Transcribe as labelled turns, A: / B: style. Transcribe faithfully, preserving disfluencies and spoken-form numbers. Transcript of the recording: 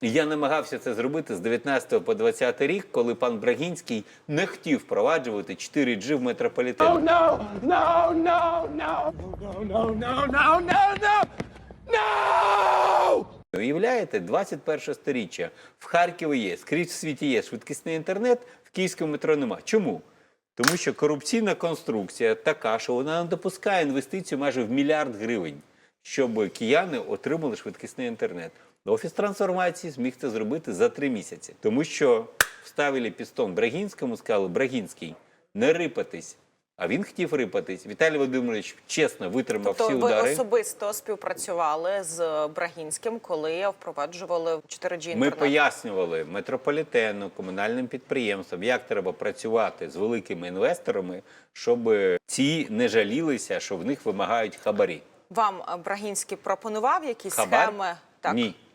A: І я намагався це зробити з дев'ятнадцятого по двадцятий рік, коли пан Брагінський не хотів впроваджувати чотири джі в метрополітені.
B: Oh, no, no, no, no, no, no, no, no, no, no, no!
A: Уявляєте, двадцять перше сторіччя. В Харкові є, скрізь в світі є швидкісний інтернет, в київському метро нема. Чому? Тому що корупційна конструкція така, що вона не допускає інвестицію майже в мільярд гривень, щоб кияни отримали швидкісний інтернет. Офіс трансформації зміг це зробити за три місяці. Тому що вставили пістон Брагінському, сказали: Брагінський, не рипатись. А він хотів рипатись. Віталій Володимирович чесно витримав
C: тобто
A: всі удари.
C: ви особисто співпрацювали з Брагінським, коли впроваджували чотири джі
A: Ми
C: інтернет?
A: пояснювали метрополітену, комунальним підприємствам, як треба працювати з великими інвесторами, щоб ці не жалілися, що в них вимагають хабарі.
C: Вам Брагінський пропонував якісь
A: Хабар?
C: схеми? Так.
A: Ні.